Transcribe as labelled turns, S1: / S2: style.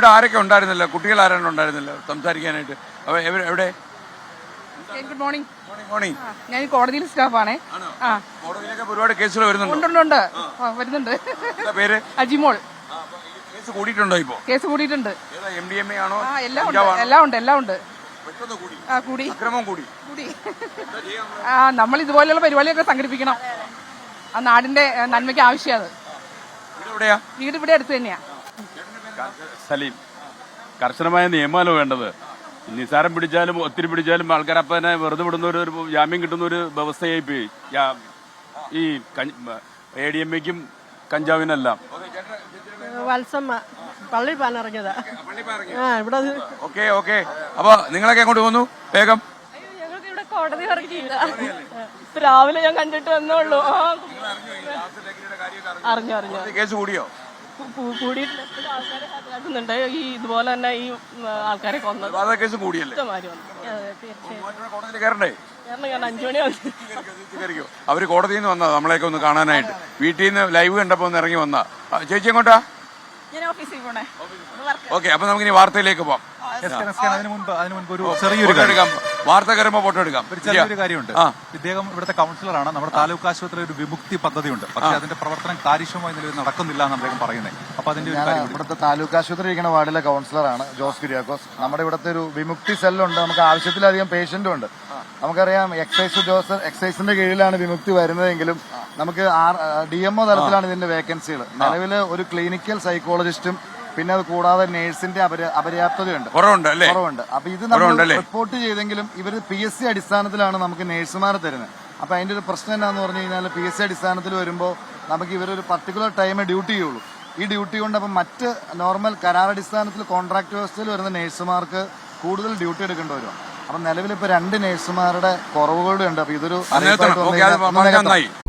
S1: ഇവിടെ ആരൊക്കെ ഉണ്ടായിരുന്നില്ല? കുട്ടികൾ ആരാണ് ഉണ്ടായിരുന്നില്ല സംസാരിക്കാനായിട്ട്? എവിടെ?
S2: Good morning.
S1: മോർണിംഗ്.
S2: ഞാൻ കോടതിയിൽ സ്റ്റാഫാണേ.
S1: കോടതിയിലൊക്കെ ഒരുപാട് കേസുകൾ വരുന്നുണ്ട്.
S2: വരുന്നുണ്ട്.
S1: പേര്
S2: അജിമോൾ.
S1: കേസ് കൂടിയിട്ടുണ്ടോ? ഇപ്പോ
S2: കേസ് കൂടിയിട്ടുണ്ട്.
S1: MDMA ആണോ?
S2: എല്ലാം ഉണ്ട്. കൂടി.
S1: അക്രമം കൂടി.
S2: നമ്മൾ ഇതുപോലെയുള്ള പരിപാടിയൊക്കെ സംഘടിപ്പിക്കണം. ആ നാടിന്റെ നന്മയ്ക്ക് ആവശ്യമാണ്. വീട് ഇവിടെ അടുത്ത് തന്നെയാ.
S3: സലീം, കർശനമായ നിയമമല്ലോ വേണ്ടത്. നിസാരം പിടിച്ചാലും ഒത്തിരി പിടിച്ചാലും ആൾക്കാർ അപ്പം തന്നെ വെറുതെ വിടുന്ന ഒരു ജാമ്യം കിട്ടുന്ന ഒരു വ്യവസ്ഥയായി പോയി ഈ ADMAയ്ക്കും കഞ്ചാവിനെല്ലാം.
S4: വത്സമ്മ പള്ളി പാനിറങ്ങിയതാ. ഇവിടെ
S1: ഓക്കെ. അപ്പൊ നിങ്ങളൊക്കെ അങ്ങോട്ട് പോന്നു വേഗം?
S4: ഞങ്ങൾക്ക് ഇവിടെ കോടതി ഇറങ്ങിയില്ല. രാവിലെ ഞാൻ കണ്ടിട്ട് വന്നോളൂ. അറിഞ്ഞു.
S1: കേസ് കൂടിയോ?
S4: കൂടിയിട്ടില്ല. ആൾക്കാരെ ഹാജരാക്കുന്നുണ്ട്. ഈ ഇതുപോലെ തന്നെ ഈ ആൾക്കാരെ കൊന്നത്
S1: കേസ് കൂടിയല്ലേ? കോടതിയിൽ കയറണ്ടേ?
S4: 5 മണി വന്നു.
S1: അവര് കോടതിയിൽ നിന്ന് വന്നതാ നമ്മളെയൊക്കെ ഒന്ന് കാണാനായിട്ട്. വീട്ടിൽ നിന്ന് ലൈവ് കണ്ടപ്പോ ഒന്ന് ഇറങ്ങി വന്നാ. ചേച്ചി എങ്ങോട്ടാ?
S4: ഞാൻ ഓഫീസിൽ പോണേ.
S1: ഓക്കെ, അപ്പൊ നമുക്ക് ഇനി വാർത്തയിലേക്ക് പോവാം.
S5: അതിനു മുൻപ് ഒരു ചെറിയൊരു
S1: വാർത്ത കയറുമ്പോ ഫോട്ടോ എടുക്കാം.
S5: ചെറിയൊരു കാര്യമുണ്ട്. ഇദ്ദേഹം ഇവിടുത്തെ കൗൺസിലറാണ്. നമ്മുടെ താലൂക്ക് ആശുപത്രി ഒരു വിമുക്തി പദ്ധതിയുണ്ട്. പക്ഷേ അതിന്റെ പ്രവർത്തനം കാര്യക്ഷമമായി നിലവിൽ നടക്കുന്നില്ല എന്ന് അദ്ദേഹം പറയുന്നത്. അപ്പൊ അതിന്റെ
S6: ഇവിടുത്തെ താലൂക്ക് ആശുപത്രി ഇരിക്കുന്ന വാർഡിലെ കൗൺസിലറാണ് ജോസ് കുര്യാക്കോസ്. നമ്മുടെ ഇവിടുത്തെ ഒരു വിമുക്തി സെല്ലുണ്ട്. നമുക്ക് ആവശ്യത്തിലധികം പേഷ്യന്റും ഉണ്ട്. നമുക്കറിയാം എക്സൈസിന്റെ കീഴിലാണ് വിമുക്തി വരുന്നതെങ്കിലും നമുക്ക് DMO തലത്തിലാണ് ഇതിന്റെ വേക്കൻസികൾ. നിലവിൽ ഒരു ക്ലിനിക്കൽ സൈക്കോളജിസ്റ്റും പിന്നെ അത് കൂടാതെ നേഴ്സിന്റെ അപര്യാപ്തതയുണ്ട്, കുറവുണ്ട്. അപ്പൊ ഇത് നമ്മൾ റിപ്പോർട്ട് ചെയ്തെങ്കിലും ഇവർ PSC അടിസ്ഥാനത്തിലാണ് നമുക്ക് നേഴ്സുമാരെ തരുന്നത്. അപ്പൊ അതിന്റെ ഒരു പ്രശ്നം എന്താന്ന് പറഞ്ഞു കഴിഞ്ഞാൽ PSC അടിസ്ഥാനത്തിൽ വരുമ്പോൾ നമുക്ക് ഇവരൊരു പർട്ടിക്കുലർ ടൈമേ ഡ്യൂട്ടി ചെയ്യുള്ളൂ. ഈ ഡ്യൂട്ടി കൊണ്ട് അപ്പം മറ്റ് നോർമൽ കരാറടിസ്ഥാനത്തിൽ കോൺട്രാക്ട് വ്യവസ്ഥയിൽ വരുന്ന നേഴ്സുമാർക്ക് കൂടുതൽ ഡ്യൂട്ടി എടുക്കേണ്ടി വരും. അപ്പൊ നിലവിൽ ഇപ്പൊ 2 നേഴ്സുമാരുടെ കുറവുകളുടെ ഉണ്ട്. അപ്പൊ ഇതൊരു